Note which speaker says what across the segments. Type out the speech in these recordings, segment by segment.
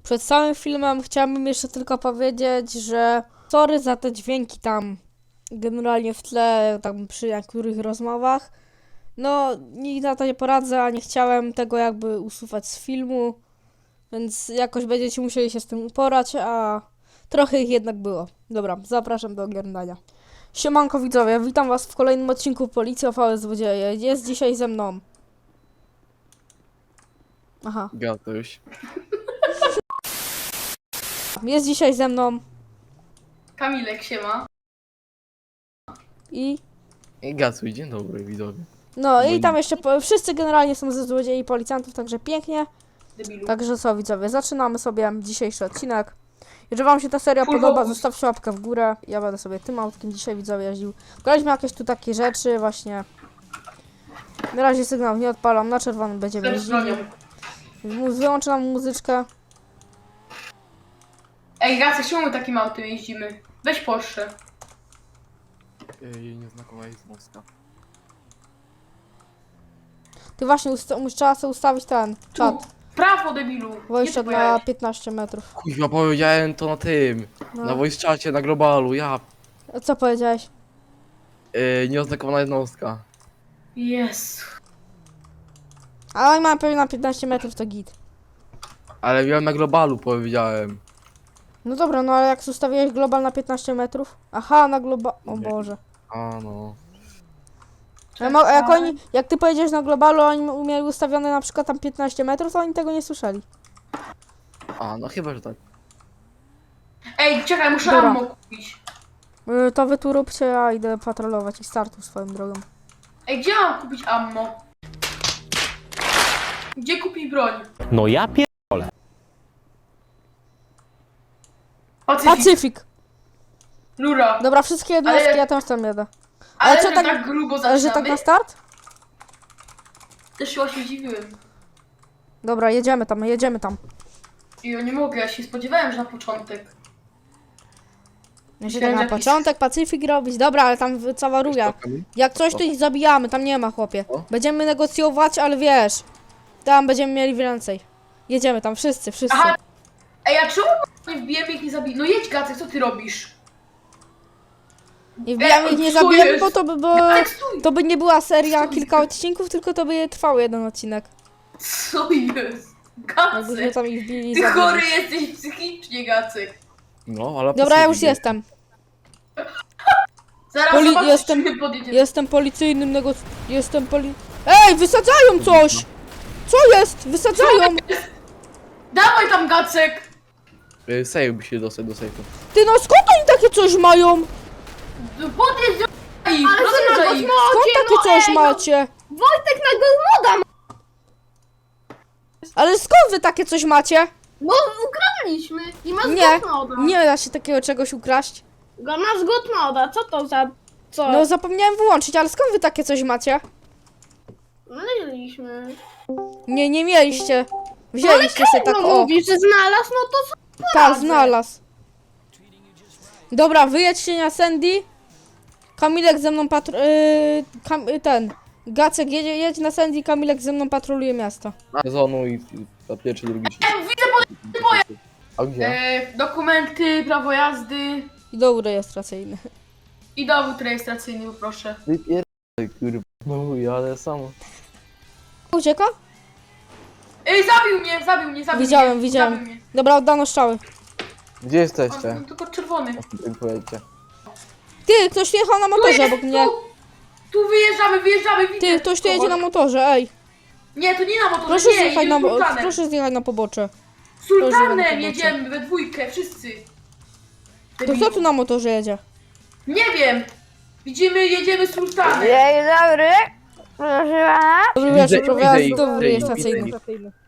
Speaker 1: Przed całym filmem chciałabym jeszcze tylko powiedzieć, że sorry za te dźwięki tam generalnie w tle, tam przy niektórych rozmowach. No, nikt na to nie poradzę, a nie chciałem tego jakby usuwać z filmu, więc jakoś będziecie musieli się z tym uporać, a trochę ich jednak było. Dobra, zapraszam do oglądania. Siemanko widzowie, witam was w kolejnym odcinku Policji OVS Złodzieje. Jest dzisiaj ze mną. Aha.
Speaker 2: Gatuś.
Speaker 1: Jest dzisiaj ze mną
Speaker 3: Kamilek siema.
Speaker 1: i...
Speaker 2: I Gacuj, dzień dobry widzowie.
Speaker 1: No i tam jeszcze wszyscy generalnie są ze złodziei i policjantów, także pięknie.
Speaker 3: Debilu.
Speaker 1: Także co widzowie, zaczynamy sobie dzisiejszy odcinek. Jeżeli wam się ta seria
Speaker 3: Full
Speaker 1: podoba,
Speaker 3: focus.
Speaker 1: zostawcie łapkę w górę. Ja będę sobie tym autkiem dzisiaj widzowie jeździł. Pokażmy jakieś tu takie rzeczy właśnie. Na razie sygnał nie odpalam, na czerwonym będziemy
Speaker 3: Też bronią.
Speaker 1: jeździli. Wyłączę nam muzyczkę.
Speaker 3: Ej, Gacek, czemu my takim autem jeździmy? Weź Porsche.
Speaker 2: Jej nieznakowa jest Moska.
Speaker 1: Ty właśnie trzeba sobie ustawić ten czat.
Speaker 3: Prawo, debilu. Gdzie
Speaker 1: Wojszczak
Speaker 3: ty
Speaker 1: na
Speaker 3: pojechałeś?
Speaker 1: 15 metrów.
Speaker 2: Kuźwa, powiedziałem to na tym.
Speaker 1: No.
Speaker 2: Na voice czacie, na globalu, ja.
Speaker 1: A co powiedziałeś?
Speaker 2: Nieoznakowana jednostka.
Speaker 3: Jezu.
Speaker 1: Ale oni mają pewnie na 15 metrów to git.
Speaker 2: Ale miałem na globalu, powiedziałem.
Speaker 1: No dobra, no ale jak ustawiłeś global na 15 metrów? Aha, na global... O
Speaker 2: Nie.
Speaker 1: Boże.
Speaker 2: A no.
Speaker 1: Jak ty powiedziałeś na globalu, oni mieli ustawione na przykład tam 15 metrów, to oni tego nie słyszeli.
Speaker 2: A no chyba, że tak.
Speaker 3: Ej, czekaj, muszę
Speaker 1: Dobra.
Speaker 3: ammo kupić.
Speaker 1: To wy tu róbcie, ja idę patrolować i startu swoją drogą.
Speaker 3: Ej, gdzie mam kupić ammo? Gdzie kupić broń?
Speaker 4: No ja pier...
Speaker 3: Pacyfik.
Speaker 1: Pacyfik!
Speaker 3: Lura.
Speaker 1: Dobra, wszystkie jednostki,
Speaker 3: Ale-
Speaker 1: ja też tam jadę.
Speaker 3: Ale
Speaker 1: ale co
Speaker 3: że
Speaker 1: tak-
Speaker 3: tak grubo
Speaker 1: Ale
Speaker 3: zaczynamy?
Speaker 1: że tak na start?
Speaker 3: Też się właśnie dziwiłem.
Speaker 1: Dobra, jedziemy tam.
Speaker 3: I ja nie mogę, ja się spodziewałem, że na początek.
Speaker 1: Ja się
Speaker 3: Myślałem,
Speaker 1: tak na
Speaker 3: że jakiś-
Speaker 1: początek Pacyfik robić. Dobra, ale tam cała ruja. Jak coś, to ich zabijamy, tam nie ma chłopie.
Speaker 2: O.
Speaker 1: Będziemy negocjować, ale wiesz, tam będziemy mieli więcej. Jedziemy tam, wszyscy.
Speaker 3: Aha. Ej, a czemu nie wbijemy ich nie zabijemy? No jedź, Gacek, co ty robisz?
Speaker 1: Nie wbijamy ich, nie
Speaker 3: co
Speaker 1: zabijemy,
Speaker 3: jest?
Speaker 1: bo to by było...
Speaker 3: Gacek, stój!
Speaker 1: To by nie była seria kilka odcinków, tylko to by trwał jeden odcinek.
Speaker 3: Co jest?
Speaker 1: Jakbyśmy
Speaker 3: Gacek!
Speaker 1: tam ich wbili i
Speaker 3: Ty
Speaker 1: zabili.
Speaker 3: chory jesteś psychicznie, Gacek.
Speaker 2: No, ale
Speaker 1: Dobra, ja już
Speaker 2: Pacyfik.
Speaker 1: jestem.
Speaker 3: Zaraz
Speaker 1: Poli-
Speaker 3: zobaczysz,
Speaker 1: jestem-
Speaker 3: czy my podjedziemy.
Speaker 1: Jestem policyjnym Ej, wysadzają coś! Co jest? Wysadzają!
Speaker 3: Dawaj tam, Gacek!
Speaker 2: Sejł by się dostać do sejfu.
Speaker 1: Ty no skąd oni takie coś mają?
Speaker 3: No podjedź do ich, rozjeżdżaj ich.
Speaker 1: Skąd takie coś macie?
Speaker 5: Wojtek na Golmoda!
Speaker 1: Ale skąd wy takie coś macie?
Speaker 5: No ukradliśmy i ma
Speaker 1: Nie,
Speaker 5: zgotmoda.
Speaker 1: nie da się takiego czegoś ukraść.
Speaker 5: Go ma zgotmoda, co to za... co?
Speaker 1: No zapomniałem wyłączyć, ale skąd wy takie coś macie?
Speaker 5: Mieliśmy.
Speaker 1: Nie mieliście. Wzięliście sobie tak
Speaker 5: No
Speaker 1: o.
Speaker 5: mówisz, że znalazł, no to co?
Speaker 1: Tak, znalazł. Dobra, wyjedźcie na Sandy. Kamilek ze mną ten. Gacek jedź na Sandy, Kamilek ze mną patroluje miasto.
Speaker 2: Na zonu i na pierwszy, drugi się.
Speaker 3: Widzę
Speaker 2: A gdzie?
Speaker 3: dokumenty, prawo jazdy
Speaker 1: I dowód rejestracyjny.
Speaker 3: i dowód rejestracyjny, poproszę.
Speaker 2: Wypierdaj, kurwa. No jadę samo.
Speaker 1: Ucieka?
Speaker 3: Ej, zabił mnie.
Speaker 1: Widziałem.
Speaker 3: Zabił mnie.
Speaker 1: Dobra, oddano strzały.
Speaker 2: Gdzie
Speaker 3: O,
Speaker 2: jesteście?
Speaker 3: no, tylko czerwony.
Speaker 2: Powiedzcie.
Speaker 1: Ty, ktoś tu jechał na motorze obok mnie.
Speaker 3: Tu wyjeżdżamy, widzę.
Speaker 1: Ty, ktoś tu jedzie na motorze, ej.
Speaker 3: Nie, to nie na motorze,
Speaker 1: Proszę
Speaker 3: nie,
Speaker 1: zjechać
Speaker 3: jedziemy sultanem.
Speaker 1: proszę zjechać na pobocze.
Speaker 3: Sultanem
Speaker 1: proszę,
Speaker 3: jedziemy, we dwójkę, wszyscy.
Speaker 1: To kto tu na motorze jedzie?
Speaker 3: Nie wiem. Jedziemy sultanem.
Speaker 6: Dzień dobry, proszę pana.
Speaker 1: Dobry
Speaker 2: Widzę-
Speaker 1: wieczór,
Speaker 2: widzę
Speaker 1: prowadzi
Speaker 2: ich,
Speaker 1: dowód
Speaker 2: widzę ich,
Speaker 1: rejestracyjny.
Speaker 2: widzę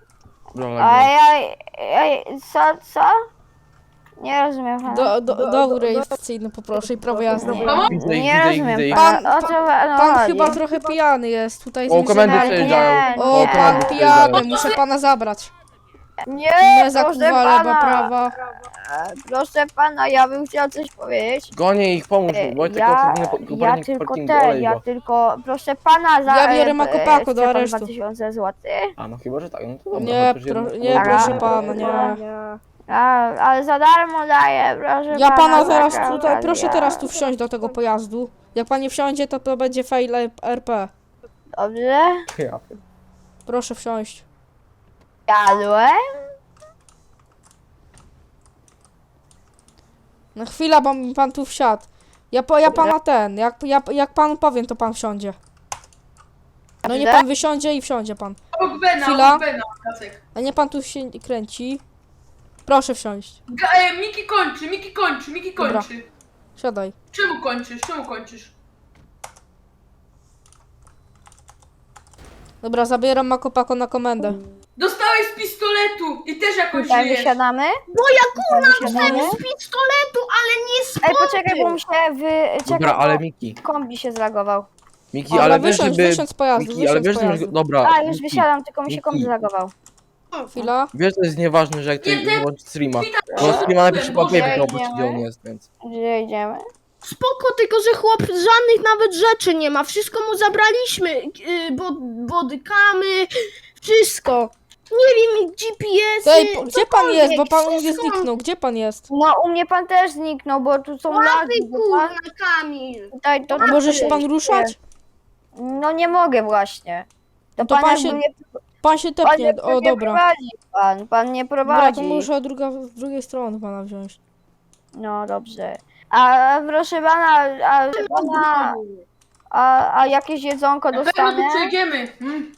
Speaker 6: Co? Nie rozumiem pana.
Speaker 1: Dowód rejestracyjny poproszę i prawo jazdy.
Speaker 6: Nie rozumiem
Speaker 2: ich.
Speaker 6: pana. O co panu
Speaker 1: Pan
Speaker 6: chodzi?
Speaker 1: chyba trochę pijany jest tutaj.
Speaker 2: O, komendy
Speaker 6: Nie,
Speaker 2: przejeżdżają.
Speaker 1: O,
Speaker 6: nie.
Speaker 1: pan
Speaker 2: komendy
Speaker 1: pijany,
Speaker 2: przejeżdżają.
Speaker 1: muszę pana zabrać.
Speaker 6: Nie,
Speaker 1: Nie zakuwa lewa, prawa.
Speaker 6: Proszę pana, ja bym chciał coś powiedzieć.
Speaker 2: Gonię ich, pomóż mu. Wojtek,
Speaker 6: Ja tylko ja tylko, proszę pana,
Speaker 1: Ja biorę Makopako do
Speaker 6: chce pan
Speaker 1: aresztu.
Speaker 6: 2000 zł.
Speaker 2: A no chyba, że tak, no to dobra.
Speaker 1: Nie,
Speaker 2: chociaż jedno-
Speaker 1: nie,
Speaker 6: Dobra.
Speaker 1: proszę pana, nie.
Speaker 6: Ale za darmo daję, proszę
Speaker 1: Ja pana
Speaker 6: za
Speaker 1: zaraz
Speaker 6: każdym
Speaker 1: tutaj, proszę
Speaker 6: razem.
Speaker 1: teraz tu wsiąść do tego pojazdu. Jak pan nie wsiądzie, to będzie fail RP.
Speaker 6: Dobrze?
Speaker 2: Ja.
Speaker 1: Proszę wsiąść.
Speaker 6: Jadłem?
Speaker 1: Na chwilę, bo mi pan tu wsiadł. Ja pana jak panu powiem, to pan wsiądzie. No nie pan wysiądzie i wsiądzie pan.
Speaker 3: Obok Bena,
Speaker 1: Chwila.
Speaker 3: obok Bena, Gacek.
Speaker 1: A nie pan tu się kręci. Proszę wsiąść.
Speaker 3: Miki kończy, Miki kończy, Miki
Speaker 1: Dobra.
Speaker 3: kończy.
Speaker 1: Siadaj.
Speaker 3: Czemu kończysz, czemu kończysz?
Speaker 1: Dobra, zabieram Makopako na komendę.
Speaker 3: Dostałeś z pistoletu i też jakoś
Speaker 6: Tutaj
Speaker 3: żyjesz.
Speaker 6: wysiadamy?
Speaker 5: Bo ja kurna
Speaker 6: Wysiadamy?
Speaker 5: dostałem z pistoletu, ale nie z
Speaker 6: Ej, poczekaj, bo mi się czekaj,
Speaker 2: Dobra, ale
Speaker 6: bo
Speaker 2: Miki.
Speaker 6: kombi się zlagował.
Speaker 2: Miki,
Speaker 1: Ale
Speaker 2: ale wiesz,
Speaker 1: wysiądź,
Speaker 2: żeby...
Speaker 1: wysiądź z pojazdu,
Speaker 2: Miki, ale
Speaker 1: wysiądź
Speaker 2: wiesz,
Speaker 1: z
Speaker 2: że...
Speaker 1: pojazdu.
Speaker 2: Dobra,
Speaker 6: A, już
Speaker 2: Miki,
Speaker 6: wysiadam, tylko mi się kombi
Speaker 2: Miki.
Speaker 6: zlagował.
Speaker 1: Chwila.
Speaker 2: Wiesz, to jest nieważne, że jak ty
Speaker 3: Nie, ty-
Speaker 2: nie włączysz streama.
Speaker 3: Wita-
Speaker 2: Bo streama najpierw trzeba
Speaker 3: Boże,
Speaker 2: wiedzieć,
Speaker 6: idziemy.
Speaker 2: gdzie on jest, więc...
Speaker 6: Gdzie idziemy?
Speaker 5: spoko, tylko że chłop żadnych nawet rzeczy nie ma. Wszystko mu zabraliśmy. Bodykamy, wszystko. Nie wiem, GPS-y.
Speaker 1: Ej, gdzie pan jest? Bo pan u mnie
Speaker 5: wszystko.
Speaker 1: zniknął. Gdzie pan jest?
Speaker 6: No, u mnie pan też zniknął, bo tu są lagi.
Speaker 5: Łapy,
Speaker 6: bo
Speaker 5: kurna,
Speaker 6: pan-
Speaker 5: Kamil.
Speaker 6: Tutaj to
Speaker 1: A może się pan ruszać?
Speaker 6: No nie mogę właśnie. To,
Speaker 1: To
Speaker 6: pan,
Speaker 1: pan
Speaker 6: jakby
Speaker 1: się
Speaker 6: mnie,
Speaker 1: Pan się
Speaker 6: pan
Speaker 1: tepnie.
Speaker 6: nie,
Speaker 1: O,
Speaker 6: nie
Speaker 1: dobra.
Speaker 6: prowadzi pan nie
Speaker 1: Dobra,
Speaker 6: prowadzi.
Speaker 1: to muszę z drugiej strony pana wziąć.
Speaker 6: No dobrze. A proszę pana, a jakieś jedzonko
Speaker 3: Na pewno
Speaker 6: dostanę?
Speaker 3: tu przejdziemy.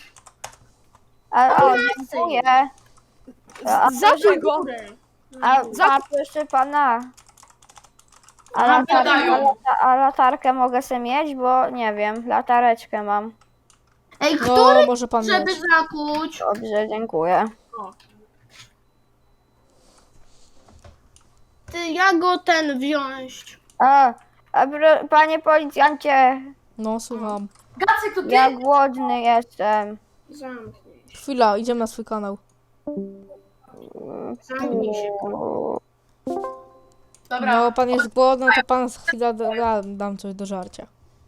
Speaker 6: O, dziękuję. A
Speaker 5: Za
Speaker 6: proszę,
Speaker 5: górę.
Speaker 6: a proszę pana. A,
Speaker 3: Gadają.
Speaker 6: a latarkę mogę sobie mieć, bo nie wiem, latareczkę mam.
Speaker 5: Ej,
Speaker 1: No,
Speaker 5: który
Speaker 1: może pan
Speaker 5: żeby
Speaker 1: mieć.
Speaker 5: zakuć?
Speaker 6: Dobrze, dziękuję.
Speaker 5: Ty, ja go wziąć.
Speaker 6: Panie policjancie,
Speaker 1: No, słucham.
Speaker 3: Gacek, to ty?
Speaker 6: ja głodny jestem.
Speaker 5: Zamknij się.
Speaker 1: Chwila, idziemy na swój kanał.
Speaker 5: Zamknij się.
Speaker 3: Dobra.
Speaker 1: No, pan jest głodny, to pan za chwilę dam coś do żarcia.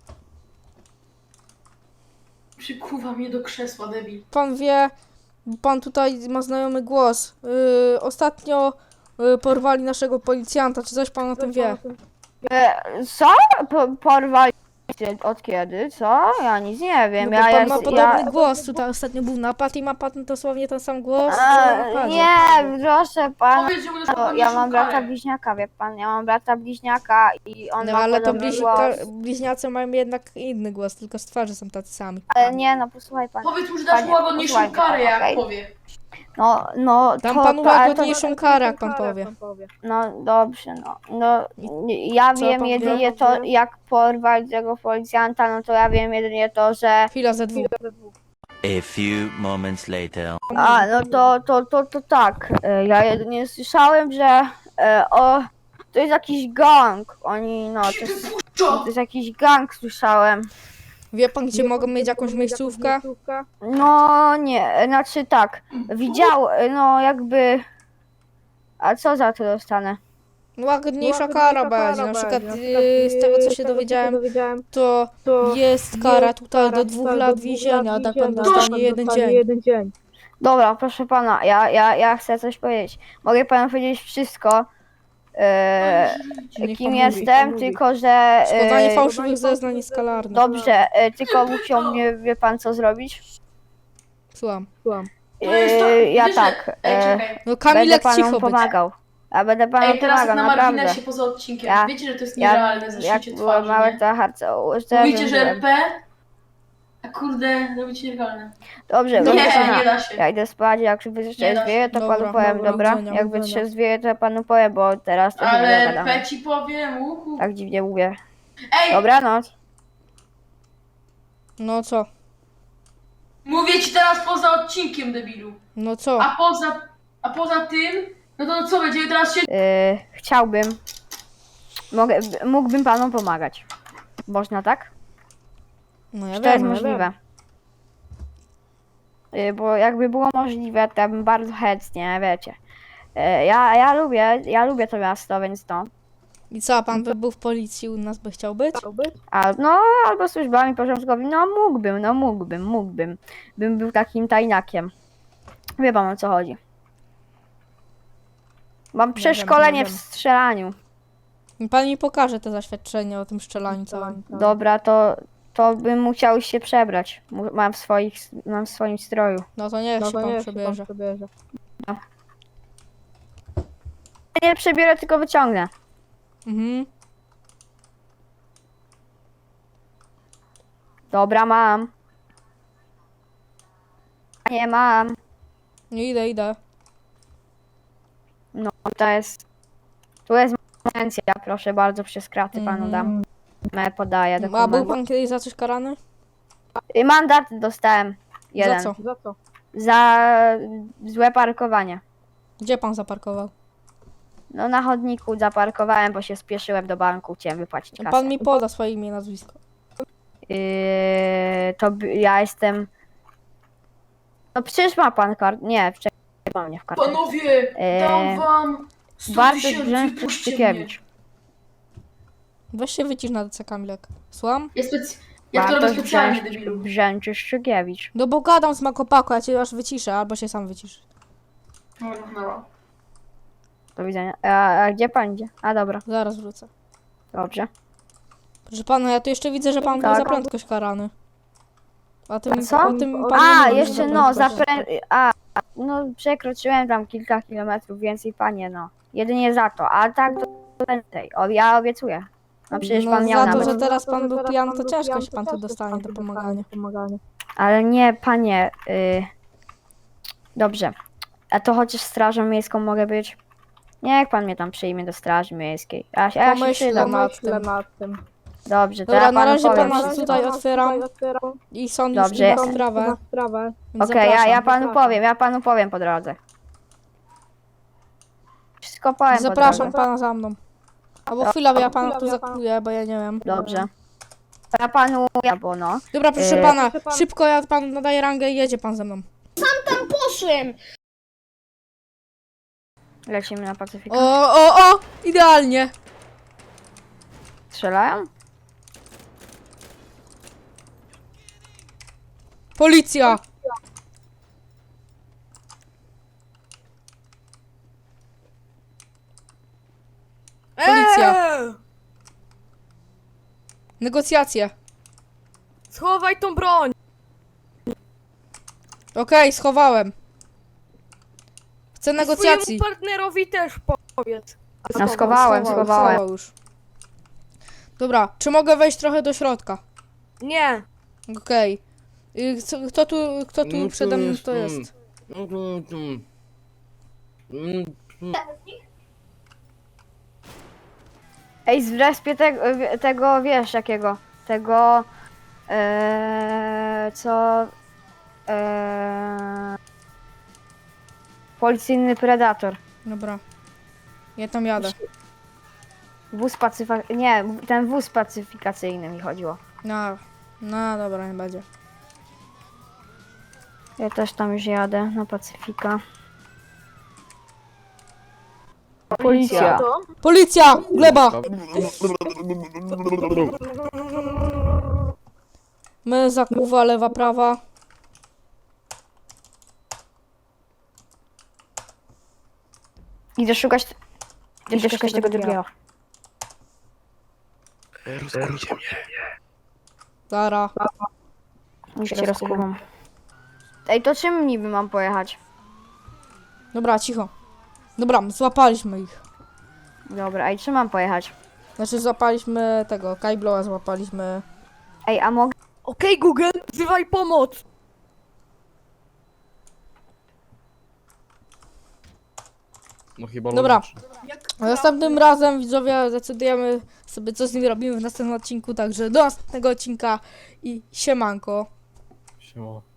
Speaker 3: Przykuwa mnie do krzesła, debil.
Speaker 1: Pan wie, pan tutaj ma znajomy głos. Ostatnio porwali naszego policjanta, czy coś pan o tym wie?
Speaker 6: Co? Porwali cię od kiedy? Co? Ja nic nie wiem.
Speaker 1: No, bo pan ma
Speaker 6: ja,
Speaker 1: podobny głos, tutaj ostatnio był napad i ma pan dosłownie ten sam głos.
Speaker 6: A,
Speaker 1: co w napadzie.
Speaker 6: nie, proszę pana.
Speaker 3: Powiedz, że mu
Speaker 6: To ja mam brata bliźniaka, wie pan, ja mam brata bliźniaka i on
Speaker 1: No
Speaker 6: ma
Speaker 1: ale to
Speaker 6: podobny głos.
Speaker 1: bliźniacy mają jednak inny głos, tylko z twarzy są tacy sami.
Speaker 6: Ale nie, no posłuchaj pan.
Speaker 3: Powiedz mu, że dasz
Speaker 6: Panie,
Speaker 3: mu łagodniejszą
Speaker 6: posłuchaj,
Speaker 3: karę, jak
Speaker 6: okej.
Speaker 3: powie.
Speaker 6: No,
Speaker 1: Dam
Speaker 6: to,
Speaker 1: panu
Speaker 6: to, ale to,
Speaker 1: łagodniejszą karę, jak pan powie.
Speaker 6: no dobrze, no ja
Speaker 1: Co
Speaker 6: wiem
Speaker 1: pan
Speaker 6: jedynie
Speaker 1: wie?
Speaker 6: to, jak porwać tego policjanta, no to ja wiem jedynie to, że...
Speaker 1: Chwila ze dwóch.
Speaker 4: A few moments later.
Speaker 6: A, no to tak, ja jedynie słyszałem, że to jest jakiś gang, oni, no, to jest jakiś gang, słyszałem.
Speaker 1: Wie pan, gdzie mogą mieć jakąś miejscówkę?
Speaker 6: No nie, znaczy tak, widział, no jakby... A co za to dostanę?
Speaker 1: No, łagodniejsza kara będzie. Na przykład z tego, co się dowiedziałem, to jest kara tutaj do 2 lat więzienia, a tak pan dostanie 1 dzień.
Speaker 6: Dobra, proszę pana, ja chcę coś powiedzieć. Mogę panu powiedzieć wszystko,
Speaker 1: Niech
Speaker 6: kim
Speaker 1: pan
Speaker 6: jestem,
Speaker 1: mówi.
Speaker 6: tylko że...
Speaker 1: Składanie fałszywych zeznań jest karalne.
Speaker 6: Dobrze, tylko musiał mnie, wie pan co zrobić?
Speaker 1: Słucham.
Speaker 3: To jest to,
Speaker 6: Ja
Speaker 3: wiesz,
Speaker 6: tak,
Speaker 3: że... Ej, czekaj.
Speaker 1: No
Speaker 6: będę
Speaker 1: Kamilek
Speaker 6: panu
Speaker 1: cicho być.
Speaker 6: pomagał. Ja będę panu
Speaker 3: Ej, teraz
Speaker 6: pomagał,
Speaker 3: na
Speaker 6: naprawdę.
Speaker 3: marginesie poza odcinkiem.
Speaker 6: Ja-
Speaker 3: Wiecie, że to jest
Speaker 6: Ja,
Speaker 3: nierealne,
Speaker 6: jak
Speaker 3: zacznijcie
Speaker 6: byłem
Speaker 3: twarzy,
Speaker 6: mały,
Speaker 3: nie?
Speaker 6: to harce
Speaker 3: Mówicie, że RP? A kurde, robicie nielegalne.
Speaker 6: Dobrze,
Speaker 1: Dobra,
Speaker 6: proszę
Speaker 3: Nie,
Speaker 6: pana.
Speaker 3: nie da się.
Speaker 6: Ja idę spać, jak
Speaker 3: Nie
Speaker 6: wytrzeźwieję, to
Speaker 1: Dobra,
Speaker 6: panu powiem,
Speaker 1: dobra,
Speaker 6: dobra?
Speaker 1: widzenia,
Speaker 6: Jak
Speaker 1: widzenia.
Speaker 6: wytrzeźwieję, to ja panu powiem, bo teraz to się
Speaker 3: Ale
Speaker 6: nie dogadamy.
Speaker 3: RP ci powiem, uhu.
Speaker 6: Tak dziwnie mówię.
Speaker 3: Ej,
Speaker 6: Dobranoc.
Speaker 1: No co?
Speaker 3: mówię ci teraz poza odcinkiem, debilu.
Speaker 1: No co?
Speaker 3: A poza tym, no to co, będziemy teraz się...
Speaker 6: Chciałbym. Mógłbym panu pomagać. Można tak?
Speaker 1: No ja
Speaker 6: Czy to jest
Speaker 1: wiem,
Speaker 6: możliwe? Bo jakby było możliwe, to ja bym bardzo chętnie, wiecie. Ja lubię to miasto, więc no.
Speaker 1: I co, a pan by był w policji, u nas by chciał być?
Speaker 6: Albo służbami porządkowymi, mógłbym. Bym był takim tajniakiem. Wie pan, o co chodzi. Mam przeszkolenie w strzelaniu.
Speaker 1: Pan mi pokaże te zaświadczenie o tym strzelaniu całym.
Speaker 6: Dobra, to bym musiał się przebrać. Mam w swoim stroju.
Speaker 1: No to niech się pan przebierze.
Speaker 6: Nie przebierę, tylko wyciągnę.
Speaker 1: Mhm.
Speaker 6: Dobra, mam. Nie mam.
Speaker 1: Nie idę.
Speaker 6: No, tu jest licencja, proszę bardzo, przez kraty panu dam. Podaję
Speaker 1: A był
Speaker 6: dokument.
Speaker 1: pan kiedyś za coś karany?
Speaker 6: Mandat dostałem. Jeden.
Speaker 1: Za co?
Speaker 6: Za złe parkowanie.
Speaker 1: Gdzie pan zaparkował?
Speaker 6: No na chodniku zaparkowałem, bo się spieszyłem do banku, chciałem wypłacić kasę.
Speaker 1: Pan mi poda swoje imię i nazwisko.
Speaker 6: Ja jestem... No przecież ma pan kart... Nie, wcześniej mam mnie w kartę.
Speaker 3: Panowie, dam wam 100
Speaker 6: Bartosz
Speaker 3: tysięcy,
Speaker 6: Brzęczyk
Speaker 3: puśćcie mnie.
Speaker 6: Szczykiewicz.
Speaker 1: Weź się wycisz na DC Kamilek. Słucham?
Speaker 3: Ja to robię
Speaker 6: Bartosz
Speaker 3: specjalnie, debilu.
Speaker 6: Brzęczyk Szczykiewicz.
Speaker 1: No bo gadam z Makopako, ja cię aż wyciszę, albo się sam wycisz.
Speaker 3: No.
Speaker 6: Do widzenia. A gdzie pan idzie? A dobra,
Speaker 1: Zaraz wrócę.
Speaker 6: dobrze.
Speaker 1: Proszę pana, ja tu jeszcze widzę, że pan był
Speaker 6: Tak.
Speaker 1: za prędkość karany. O tym,
Speaker 6: Co?
Speaker 1: o tym pan nie
Speaker 6: A,
Speaker 1: mówi, że
Speaker 6: jeszcze no,
Speaker 1: prędkość.
Speaker 6: no przekroczyłem tam kilka kilometrów więcej, panie, no. Jedynie za to, a tak to więcej. Ja obiecuję. No przecież pan miał
Speaker 1: za
Speaker 6: nawet.
Speaker 1: to, że teraz pan był pijany, to ciężko się pan tu dostanie do pomagania.
Speaker 6: Ale nie, panie. Dobrze. A to chociaż strażą miejską mogę być? Niech pan mnie tam przyjmie do straży miejskiej. Ja się
Speaker 1: Pomyślę
Speaker 6: przydam.
Speaker 1: nad tym.
Speaker 6: Dobrze, to
Speaker 1: Dobra,
Speaker 6: ja
Speaker 1: na
Speaker 6: panu
Speaker 1: razie
Speaker 6: powiem
Speaker 1: pana
Speaker 6: wszystko.
Speaker 1: tutaj otwieram i sąd już
Speaker 6: Dobrze.
Speaker 1: ma sprawę. Więc
Speaker 6: Okej, ja
Speaker 1: zapraszam.
Speaker 6: ja panu powiem po drodze. Wszystko powiem po
Speaker 1: Zapraszam
Speaker 6: drodze.
Speaker 1: pana za mną. Albo chwilę, ja pana tu zakuję, bo ja nie wiem.
Speaker 6: Dobrze. Ja panu, bo no.
Speaker 1: Dobra, proszę pana, szybko ja panu nadaję rangę i jedzie pan ze mną.
Speaker 5: Tam poszłem!
Speaker 6: Lecimy na Pacyfikę.
Speaker 1: O, idealnie.
Speaker 6: Strzelają?
Speaker 1: Policja. Policja. Negocjacje.
Speaker 7: Schowaj tą broń!
Speaker 1: Okej, schowałem. Chcę negocjacji.
Speaker 7: Swojemu partnerowi też powiedz.
Speaker 6: No schowałem.
Speaker 1: Schował już. Dobra, czy mogę wejść trochę do środka?
Speaker 7: Nie.
Speaker 1: Okej. Kto tu przede mną to jest?
Speaker 6: Ej, zrespię tego, wiesz jakiego? Tego, co, policyjny predator.
Speaker 1: Dobra. Ja tam jadę.
Speaker 6: Ten wóz pacyfikacyjny mi chodziło.
Speaker 1: No dobra, nie będzie.
Speaker 6: Ja też tam już jadę na Pacyfika. Policja.
Speaker 1: Policja! Gleba! My zakuwa, lewa, prawa.
Speaker 6: Idę szukać tego drugiego.
Speaker 1: Zara.
Speaker 6: Już cię rozkuwam. Ej, to czym niby mam pojechać?
Speaker 1: Dobra, cicho. Dobra, złapaliśmy ich.
Speaker 6: Dobra, ej, czym mam pojechać?
Speaker 1: Znaczy złapaliśmy tego, Kajbloa złapaliśmy.
Speaker 6: Ej, a mogę...
Speaker 7: Okej, Google, wzywaj pomoc!
Speaker 2: No chyba
Speaker 1: Dobra.
Speaker 2: logicznie.
Speaker 1: A następnym razem, widzowie, decydujemy sobie, co z nimi robimy w następnym odcinku. Także do następnego odcinka i siemanko.
Speaker 2: Siema.